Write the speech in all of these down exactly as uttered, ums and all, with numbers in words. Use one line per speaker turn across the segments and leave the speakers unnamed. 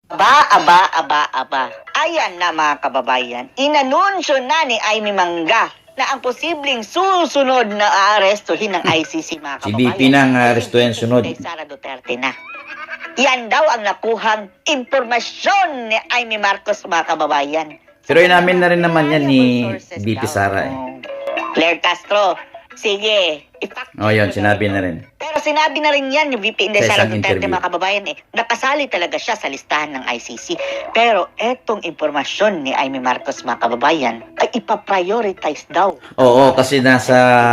Aba, aba, aba, aba. Ayan na mga kababayan, inanunsyo na ni Amy Mangga na ang posibleng susunod na aarestuhin ng I C C mga
Si
kababayan.
B P na ang aarestuhin sunod.
Kay Sara Duterte na. Yan daw ang nakuhang impormasyon ni Amy Marcos mga kababayan.
Pero inamin na rin naman yan ni B P Sara eh.
Claire Castro, sige, ipak.
O yun, sinabi na rin.
Pero sinabi na rin yan ni V P Inday
Sa
Sara
isang
Duterte
interview.
mga kababayan eh. Nakasali talaga siya sa listahan ng I C C. Pero etong impormasyon ni Amy Marcos mga kababayan ay ipaprioritize daw.
Oo, kasi nasa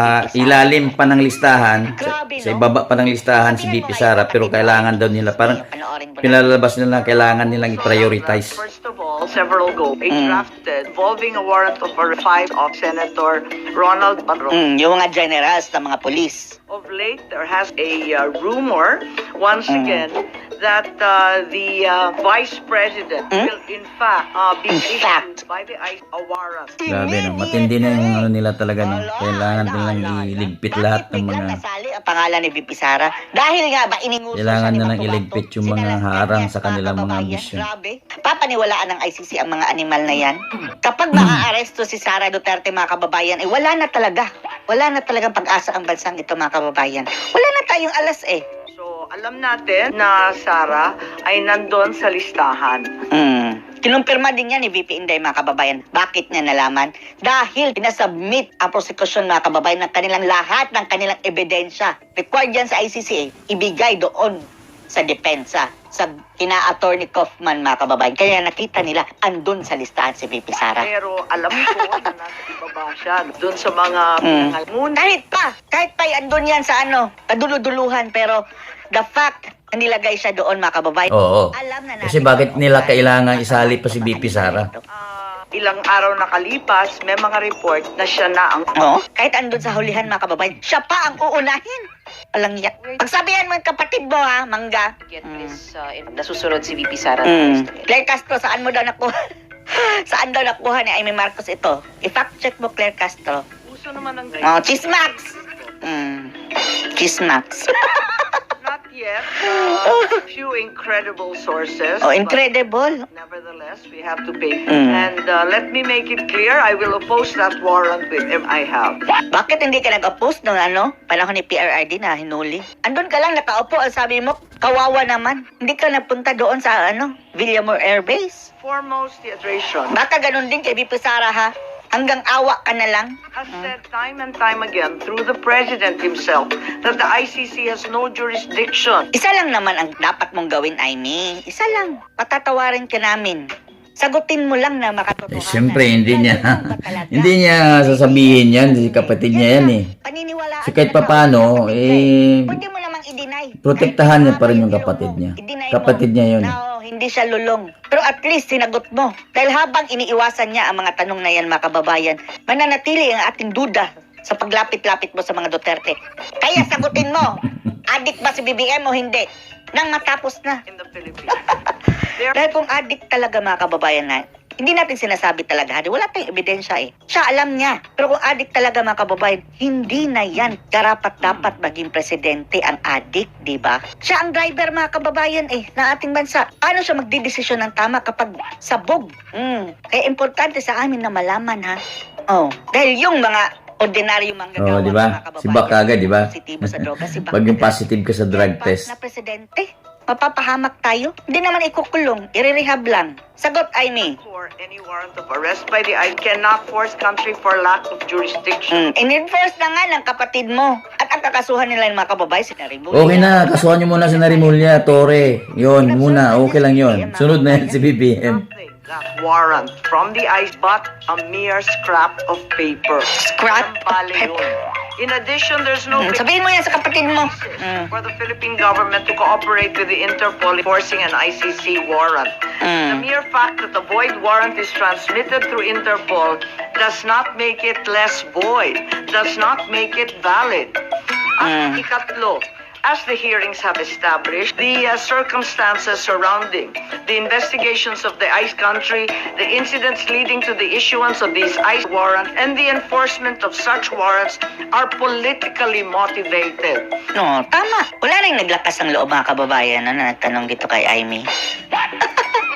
ilalim pa ng listahan, sa, sa ibaba pa ng listahan si B P Sara, pero kailangan daw nila, parang pinalalabas nila, kailangan nilang i-prioritize.
First of all, several go, a
Mm.
drafted involving a warrant of arrest five of Senator Ronald Barro.
Mm, yung mga generals ng mga polis.
Of late, there has a uh, rumor, once
Mm.
again, that uh, the uh, Vice President
Mm?
will in fact uh, be
In
issued
fact.
by the I C C a warrant.
Grabe no, matindi na yung ano nila talaga no. Kailangan nilang iligpit lahat ng mga,
nasali ang pangalan ni V P Sara? Dahil nga ba ininguso
Kailangan
siya ni
nilang
Batu-Batu?
iligpit yung mga
Sinalastan
harang
niya,
sa
mga
kanilang mga
kababayan.
ambisyon.
Grabe. Papaniwalaan ng I C C ang mga animal na yan. Kapag maaaresto si Sara Duterte mga kababayan, eh wala na talaga. Wala na talagang pag-asa ang bansang ito mga kababayan. Wala na tayong alas eh.
So, alam natin na Sara ay nandun sa listahan.
Mm. Kinumpirma din yan ni V P Inday mga kababayan. Bakit niya nalaman? Dahil pinasubmit ang prosecution mga kababayan ng kanilang lahat ng kanilang ebidensya. Required yan sa I C C eh, ibigay doon sa depensa, sa kina-attorney Kaufman mga kababayan. Kaya nakita nila andun sa listahan si V P Sara.
Pero alam ko na nasa ibaba siya. Doon sa mga
Mm.
pinangalmunan.
Kahit pa, kahit pa andun yan sa ano, kaduluduluhan, pero the fact na nilagay siya doon mga kababayan.
Oo.
Alam na natin.
Kasi bakit nila kailangan isali pa si B P Sara?
Ah, ilang araw nakalipas, may mga report na siya na ang
Oo. Kahit andun sa hulihan mga kababayan, siya pa ang uunahin. Walang yak. Pagsabihan mo yung kapatid mo ha, Mangga.
Get
Mm.
this, uh, in- nasusunod si V P Sara.
Mm. Claire Castro, saan mo daw nakuha? Saan daw nakuha ni Amy Marcos ito? I-fact check mo, Claire Castro.
puso naman ng
Oh, Chismax! Mm. Chismax.
Not yet. Uh, few incredible sources.
Oh,
but
incredible.
nevertheless, we have to pay.
Mm.
And uh, let me make it clear, I will oppose that warrant with him I have.
Bakit hindi ka nag-oppose nung ano? Panahon ni P R R D na hinuli. Andun ka lang nakaupo, ang sabi mo, kawawa naman. Hindi ka nagpunta doon sa ano, Villamor Air Base.
Foremost, the administration
Baka ganun din kay V P Sara ha. Hanggang awa ka na lang.
has said time and time again through the president himself that the I C C has no jurisdiction.
Isa lang naman ang dapat mong gawin, Amy. Isa lang. Patatawarin ka namin. Sagutin mo lang na makatotohanan.
Eh, siyempre, hindi niya,
Ganun ba talaga?
hindi niya sasabihin yan, si kapatid niya yan eh.
Paniniwalaan
So, kahit
talaga
papano,
ako sa kapatid
eh,
niya eh. Pwede mo namang i-deny.
protektahan niya pa rin yung
Kahit
kapatid
mo,
niya.
i-deny mo
Kapatid niya yun.
na, oh, hindi siya lulong. Pero at least sinagot mo. Dahil habang iniiwasan niya ang mga tanong na yan, mga kababayan, mananatili ang ating duda sa paglapit-lapit mo sa mga Duterte. Kaya sagutin mo, adik ba si B B M o hindi? Nang matapos na.
In the Philippines. There
Dahil kung addict talaga mga kababayan na, hindi natin sinasabi talaga, di wala tayong ebidensya eh. Siya alam niya. Pero kung addict talaga mga kababayan, hindi na yan karapat dapat maging presidente ang addict, di ba? Siya ang driver mga kababayan eh, ng ating bansa. Paano siya magdidesisyon ng tama kapag sabog? Mm. Kaya importante sa amin na malaman ha. Oh, dahil yung mga ordinaryo manggagawa
Oo, di ba?
mga kababayan,
Si Bak agad, di ba?
positibo sa droga, si Bak
Pag yung
agad.
positive ka sa drug
Yan pa,
test.
na presidente, mapapahamak tayo? Hindi naman ikukulong, irerehab lang. Sagot, Amy.
for any warrant of arrest by the I C C cannot force country for lack of jurisdiction.
Mm, in-enforce na nga ng kapatid mo. At ang kakasuhan nila ng mga kababayan, si Narimulya.
Okay na, kasuhan niyo muna si Narimulya, Torre. Yon, muna, okay lang yon. Sunod na yan si B B M.
Nothing, that warrant from the I C C but a mere scrap of paper.
Scrap of
Bale
paper.
yun. In addition, there's no
Mm, sabihin mo yan sa kapatid mo. Mm.
for the Philippine government to cooperate with the Interpol enforcing an I C C warrant. The
Mm.
mere fact that the void warrant is transmitted through Interpol does not make it less void, does not make it valid. At
Mm.
ikatlo, as the hearings have established, the uh, circumstances surrounding the investigations of the I C E country, the incidents leading to the issuance of these I C E warrants, and the enforcement of such warrants are politically motivated.
No, tama. Wala rin naglakas ng loob mga kababayan na nagtanong dito kay Amy.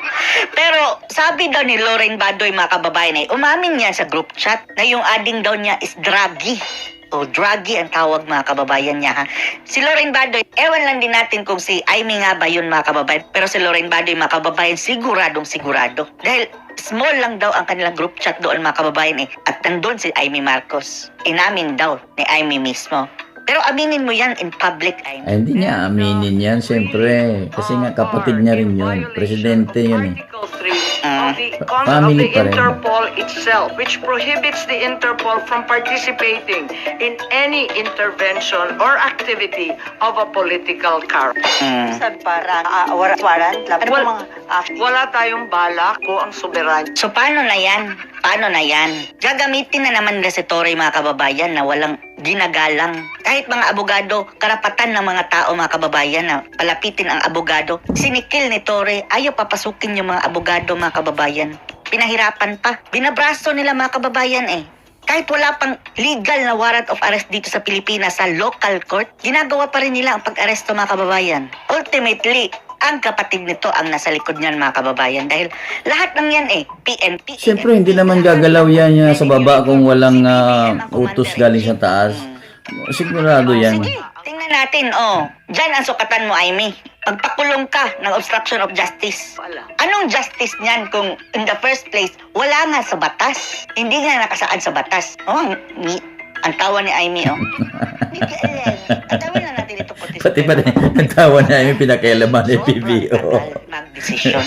sabi daw ni Lauren Badoy, mga kababayan, ay umamin niya sa group chat na yung ading daw niya is druggy. O druggy ang tawag, mga kababayan niya, ha. Si Lauren Badoy, ewan lang din natin kung si Amy nga ba yun, mga kababayan. Pero si Lauren Badoy, mga kababayan, siguradong sigurado. Dahil small lang daw ang kanilang group chat doon, mga kababayan, eh. At nandun si Amy Marcos. Inamin daw ni Amy mismo. Pero aminin mo yan in public, Amy.
Ay, hindi niya aminin yan, siyempre. Kasi nga kapatid niya rin yun. Presidente yun eh.
Article three
Ah.
of the,
Pa-
of
family
the
pa rin.
Interpol itself, which prohibits the Interpol from participating in any intervention or activity of a political character.
Mm.
Sabi para uh, warrant, warrant lab. Ano
Wal-
ba mga active?
Wala tayong balak ko ang soberanya.
So paano na yan? Paano na yan? Gagamitin na naman nila si Torre, mga kababayan, na walang ginagalang. Kahit mga abogado, karapatan ng mga tao, mga kababayan, na palapitin ang abogado. Sinikil ni Torre, ayaw papasukin yung mga abogado, mga kababayan. Pinahirapan pa. Binabraso nila, mga kababayan, eh. Kahit wala pang legal na warrant of arrest dito sa Pilipinas sa local court, ginagawa pa rin nila ang pag-aresto, mga kababayan. Ultimately, ang kapatid nito ang nasa likod niyan, mga kababayan, dahil lahat ng yan eh, P N P.
Siyempre, hindi naman gagalaw yan niya sa baba kung walang ah, utos galing sa taas. Sigurado yan.
Sige, tingnan natin, oh. Diyan ang sukatan mo, Amy. Pagpakulong ka ng obstruction of justice.
Wala.
Anong justice niyan kung in the first place, wala nga sa batas? Hindi nga nakasaad sa batas. Oh, ang, ni, ang tawa ni Amy, oh. Hindi ka alam. Ang tawa na natin ito.
Pati pa rin, ang tawa na yung pinakailaman ni P B O.
Mag-desisyon.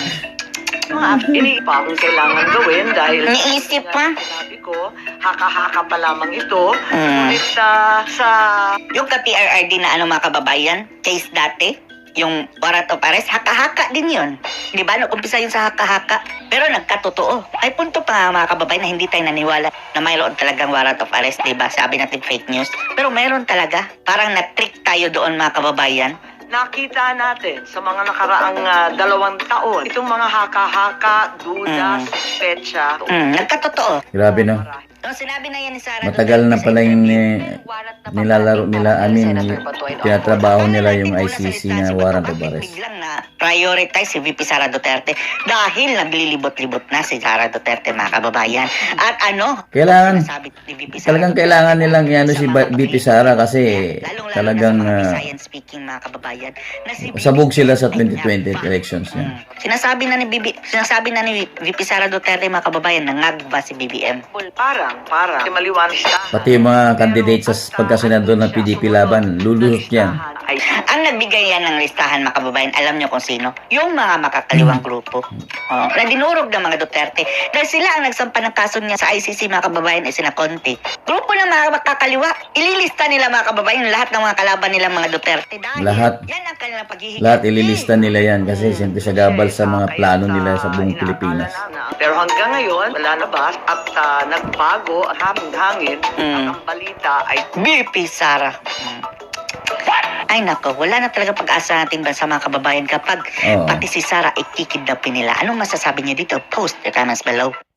Mga ini pa akong kailangan gawin dahil
Niisip pa.
sinabi ko, haka-haka pa lamang ito.
Mm.
Ngunit sa, sa
Yung ka-P R R D na ano, mga kababayan, case dati, yung warrant of arrest, haka-haka din yun. Di ba? Nag-umpisa yun sa haka-haka. Pero nagkatotoo. Ay punto pa nga, mga kababayan, na hindi tayo naniwala na mayroon talagang warrant of arrest, di ba? Sabi natin fake news. Pero mayroon talaga. Parang na-trick tayo doon, mga kababayan.
nakita natin sa mga nakaraang ah, dalawang taon, itong mga haka-haka, duda,
Mm.
suspecha,
Mm, nagkatotoo.
Grabe no.
So, sinabi na yan ni Sara
Matagal na
Duterte sa
pala yung
interview.
ni, nilalaro nila, I mean, tinatrabaho nila yung I C C na warrant of arrest.
Biglang na prioritize si V P Sara Duterte dahil naglilibot-libot na si Sara Duterte, mga kababayan. At ano?
Kailangan,
Sinasabi ni V P Sara
talagang
Duterte
kailangan nilang
sa
ano si
mga
Ba- V P Sara kasi
lalong-lalo
talagang
na sa mga
ah,
Visayan speaking, mga kababayan, na si V P
sabog sila sa
ay
twenty twenty
nagba.
elections niya.
Mm. Sinasabi na ni Bibi, sinasabi na ni V P Sara Duterte, mga kababayan, nangagba si B B M.
parang, parang, maliwanag siya.
Pati yung mga candidate sa pagkasenador ng P D P laban, lulusot yan.
Ay,
Ang nagbigay yan ng listahan, mga kababayan, alam nyo kung sino? Yung mga makakaliwang grupo. Oh, na dinurog ng mga Duterte. Dahil sila ang nagsampa ng kaso niya sa I C C, mga kababayan, ay sina Conte. Grupo ng mga makakaliwa. Ililista nila, mga kababayan, lahat ng mga kalaban nila, mga Duterte. Dahil
Lahat.
yan ang kanilang paghihigit.
Lahat ililista nila yan kasi siyempre sa gabal sa mga plano nila sa buong Pilipinas.
pero hanggang ngayon, wala na ba? At ah, nagbago ang hangin-hangin.
Mm.
Ang balita ay
B P Sara. Mm. Ay nako, wala na talaga pag-asa natin ba sa mga kababayan kapag
Oo.
pati si Sara ay kikidnapin nila. Anong masasabi niyo dito? Post your comments below.